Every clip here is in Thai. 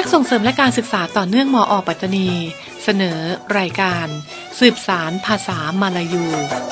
กส่งเสริมและการศึกษาต่อเนื่องมอ.ปัตตานีเสนอรายการสืบสารภาษามาลายู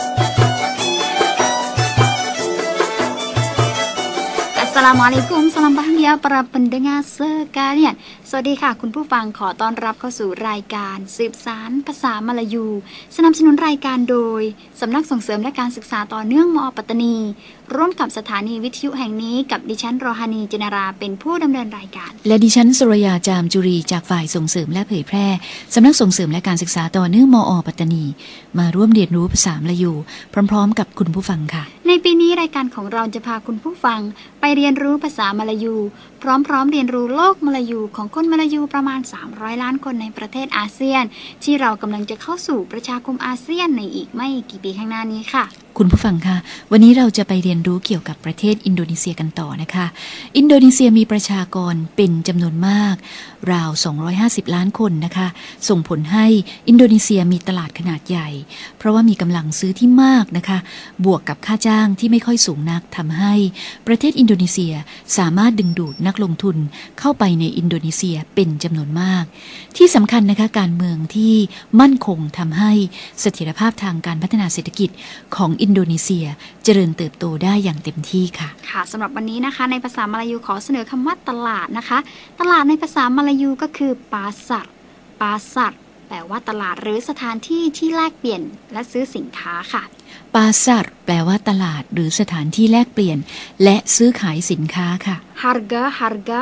Assalamualaikum, salam bahagia para pendengar sekalian สวัสดีค่ะคุณผู้ฟังขอต้อนรับเข้าสู่รายการสืบสารภาษามาลายูสนับสนุนรายการโดยสำนักส่งเสริมและการศึกษาต่อเนื่องมอ.ปัตตานีร่วมกับสถานีวิทยุแห่งนี้กับดิฉันโรฮานีจินาราเป็นผู้ดำเนินรายการและดิฉันสุรยาจามจุรีจากฝ่ายส่งเสริมและเผยแพร่สำนักส่งเสริมและการศึกษาต่อเนื่องมอ.ปัตตานีมาร่วมเรียนรู้ภาษามลายูพร้อมๆกับคุณผู้ฟังค่ะในปีนี้รายการของเราจะพาคุณผู้ฟังไปเรียนรู้ภาษามลายูพร้อมๆเรียนรู้โลกมลายูของคนมลายูประมาณ300ล้านคนในประเทศอาเซียนที่เรากำลังจะเข้าสู่ประชาคมอาเซียนในอีกไม่กี่ปีข้างหน้านี้ค่ะคุณผู้ฟังคะวันนี้เราจะไปเรียนรู้เกี่ยวกับประเทศอินโดนีเซียกันต่อนะคะอินโดนีเซียมีประชากรเป็นจำนวนมากราว250ล้านคนนะคะส่งผลให้อินโดนีเซียมีตลาดขนาดใหญ่เพราะว่ามีกำลังซื้อที่มากนะคะบวกกับค่าจ้างที่ไม่ค่อยสูงนักทำให้ประเทศอินโดนีเซียสามารถดึงดูดนักลงทุนเข้าไปในอินโดนีเซียเป็นจำนวนมากที่สำคัญนะคะการเมืองที่มั่นคงทำให้เสถียรภาพทางการพัฒนาเศรษฐกิจของอินโดนีเซียเจริญเติบโตได้อย่างเต็มที่ค่ะค่ะสำหรับวันนี้นะคะในภาษามลายูขอเสนอคำว่าตลาดนะคะตลาดในภาษามลายูก็คือปาสัรแปลว่าตลาดหรือสถานที่ที่แลกเปลี่ยนและซื้อสินค้าค่ะปาสัรแปลว่าตลาดหรือสถานที่แลกเปลี่ยนและซื้อขายสินค้าค่ะ harga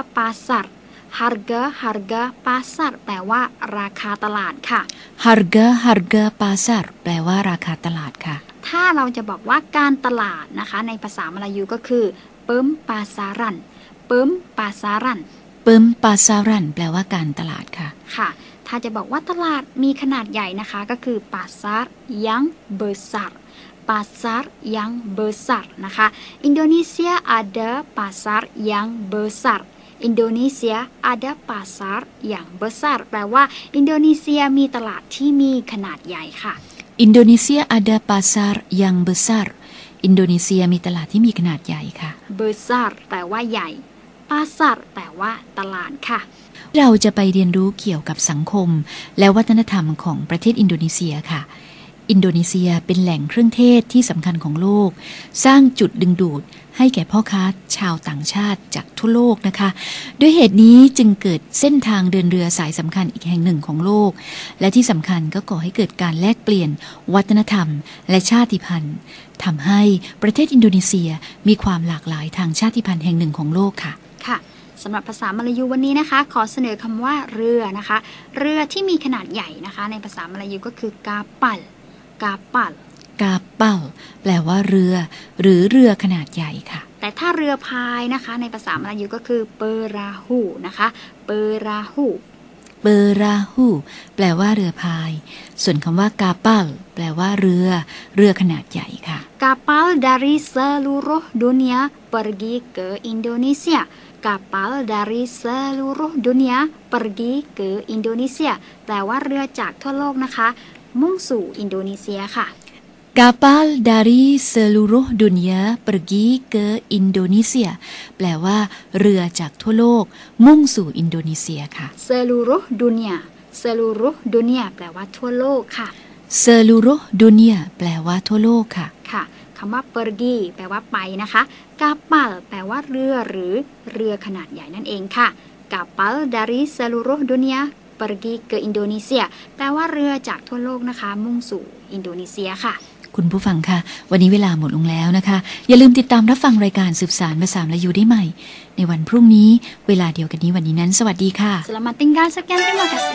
pasar แปลว่าราคาตลาดค่ะ harga pasar แปลว่าราคาตลาดค่ะถ้าเราจะบอกว่าการตลาดนะคะในภาษามลายูก็คือเปิมปาซารันเปิมปาซารันแปลว่าการตลาดค่ะค่ะถ้าจะบอกว่าตลาดมีขนาดใหญ่นะคะก็คือปาซาร์ยังเบอร์ซาร์นะคะอินโดนีเซียada pasar yang besarอินโดนีเซียada pasar yang besar แปลว่าอินโดนีเซียมีตลาดที่มีขนาดใหญ่ค่ะอินโดนีเซียada pasar yang besar อินโดนีเซียมีตลาดที่มีขนาดใหญ่ค่ะ besar แปลว่าใหญ่ pasar แปลว่าตลาดค่ะเราจะไปเรียนรู้เกี่ยวกับสังคมและวัฒนธรรมของประเทศอินโดนีเซียค่ะอินโดนีเซียเป็นแหล่งเครื่องเทศที่สำคัญของโลกสร้างจุดดึงดูดให้แก่พ่อค้าชาวต่างชาติจากทั่วโลกนะคะด้วยเหตุนี้จึงเกิดเส้นทางเดินเรือสายสำคัญอีกแห่งหนึ่งของโลกและที่สำคัญก็ก่อให้เกิดการแลกเปลี่ยนวัฒนธรรมและชาติพันธุ์ทำให้ประเทศอินโดนีเซียมีความหลากหลายทางชาติพันธุ์แห่งหนึ่งของโลกค่ะค่ะสำหรับภาษามลายูวันนี้นะคะขอเสนอคำว่าเรือนะคะเรือที่มีขนาดใหญ่นะคะในภาษามลายูก็คือกาปัลแปลว่าเรือหรือเรือขนาดใหญ่ค่ะแต่ถ้าเรือพายนะคะในภาษามลายูก็คือเปราหูนะคะเปราหูแปลว่าเรือพายส่วนคำว่ากาปัลแปลว่าเรือขนาดใหญ่ค่ะ Kapal dari seluruh dunia pergi ke Indonesia Kapal dari seluruh dunia pergi ke Indonesia แปลว่าเรือจากทั่วโลกนะคะมุ่งสู่อินโดนีเซียค่ะ Kapal dari seluruh dunia pergi ke Indonesia แปลว่าเรือจากทั่วโลกมุ่งสู่อินโดนีเซียค่ะ seluruh dunia แปลว่าทั่วโลกค่ะ seluruh dunia แปลว่าทั่วโลกค่ะค่ะคำว่า pergi แปลว่าไปนะคะ kapal แปลว่าเรือหรือเรือขนาดใหญ่นั่นเองค่ะ kapal dari seluruh dunia pergi ke Indonesia แปลว่าเรือจากทั่วโลกนะคะมุ่งสู่อินโดนีเซียค่ะคุณผู้ฟังค่ะวันนี้เวลาหมดลงแล้วนะคะอย่าลืมติดตามรับฟังรายการสืบสารภาษามลายูได้ใหม่ในวันพรุ่งนี้เวลาเดียวกันนี้วันนี้นั้นสวัสดีค่ะ Selamat tinggal sekian terima kasih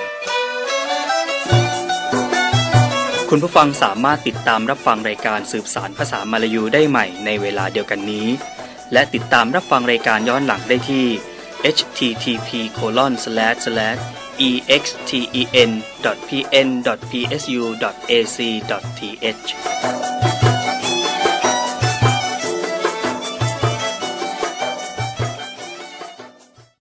คุณผู้ฟังสามารถติดตามรับฟังรายการสืบสารภาษามลายูได้ใหม่ในเวลาเดียวกันนี้และติดตามรับฟังรายการย้อนหลังได้ที่ http://exten.pn.psu.ac.th